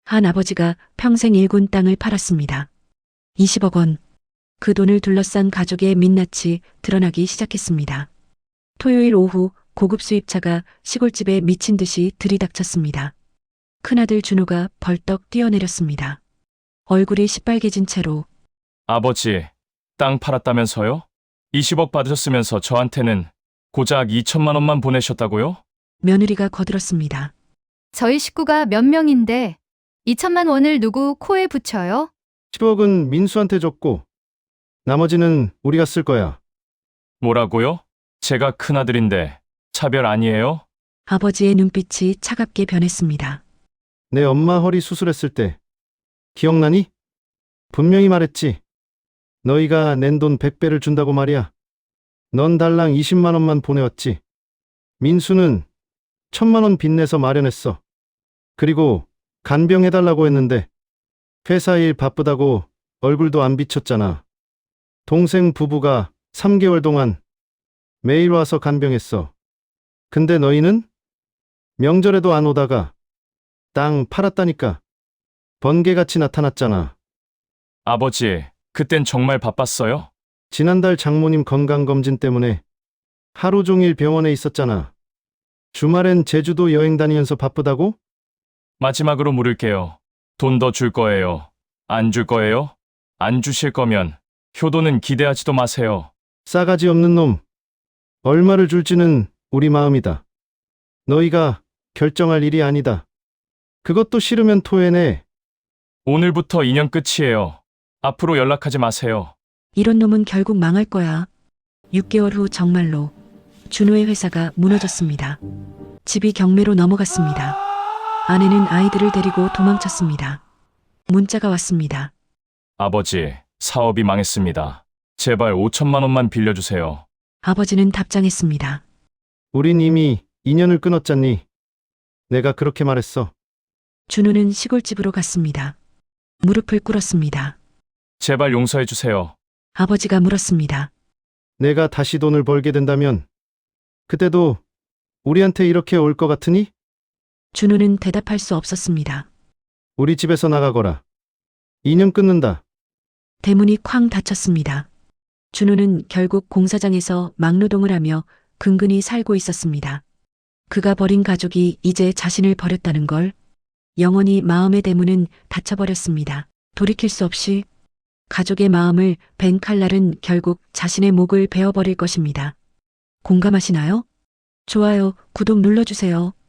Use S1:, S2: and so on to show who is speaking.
S1: 한 아버지가 평생 일군 땅을 팔았습니다. 20억 원. 그 돈을 둘러싼 가족의 민낯이 드러나기 시작했습니다. 토요일 오후 고급 수입차가 시골집에 미친 듯이 들이닥쳤습니다. 큰아들 준호가 벌떡 뛰어내렸습니다. 얼굴이 시빨개진 채로
S2: 아버지, 땅 팔았다면서요? 20억 받으셨으면서 저한테는 고작 2천만 원만 보내셨다고요?
S1: 며느리가 거들었습니다.
S3: 저희 식구가 몇 명인데 2천만 원을 누구 코에 붙여요?
S4: 10억은 민수한테 줬고 나머지는 우리가 쓸 거야.
S2: 뭐라고요? 제가 큰아들인데 차별 아니에요?
S1: 아버지의 눈빛이 차갑게 변했습니다.
S4: 내 엄마 허리 수술했을 때 기억나니? 분명히 말했지. 너희가 낸 돈 100배를 준다고 말이야. 넌 달랑 20만 원만 보내왔지. 민수는 1,000만 원 빚내서 마련했어. 그리고 간병해달라고 했는데 회사 일 바쁘다고 얼굴도 안 비쳤잖아. 동생 부부가 3개월 동안 매일 와서 간병했어. 근데 너희는 명절에도 안 오다가 땅 팔았다니까. 번개같이 나타났잖아.
S2: 아버지, 그땐 정말 바빴어요?
S4: 지난달 장모님 건강검진 때문에 하루 종일 병원에 있었잖아. 주말엔 제주도 여행 다니면서 바쁘다고?
S2: 마지막으로 물을게요. 돈 더 줄 거예요? 안 줄 거예요? 안 주실 거면 효도는 기대하지도 마세요.
S4: 싸가지 없는 놈. 얼마를 줄지는 우리 마음이다. 너희가 결정할 일이 아니다. 그것도 싫으면 토해내.
S2: 오늘부터 인연 끝이에요. 앞으로 연락하지 마세요.
S1: 이런 놈은 결국 망할 거야. 6개월 후 정말로 준호의 회사가 무너졌습니다. 집이 경매로 넘어갔습니다. 아내는 아이들을 데리고 도망쳤습니다. 문자가 왔습니다.
S2: 아버지, 사업이 망했습니다. 제발 5천만 원만 빌려주세요.
S1: 아버지는 답장했습니다.
S4: 우린 이미 인연을 끊었잖니. 내가 그렇게 말했어.
S1: 준호는 시골집으로 갔습니다. 무릎을 꿇었습니다.
S2: 제발 용서해 주세요.
S1: 아버지가 물었습니다.
S4: 내가 다시 돈을 벌게 된다면 그때도 우리한테 이렇게 올 것 같으니?
S1: 준호는 대답할 수 없었습니다.
S4: 우리 집에서 나가거라. 인연 끊는다.
S1: 대문이 쾅 닫혔습니다. 준호는 결국 공사장에서 막노동을 하며 근근히 살고 있었습니다. 그가 버린 가족이 이제 자신을 버렸다는 걸, 영원히 마음의 대문은 닫혀버렸습니다. 돌이킬 수 없이 가족의 마음을 벤 칼날은 결국 자신의 목을 베어버릴 것입니다. 공감하시나요? 좋아요, 구독 눌러주세요.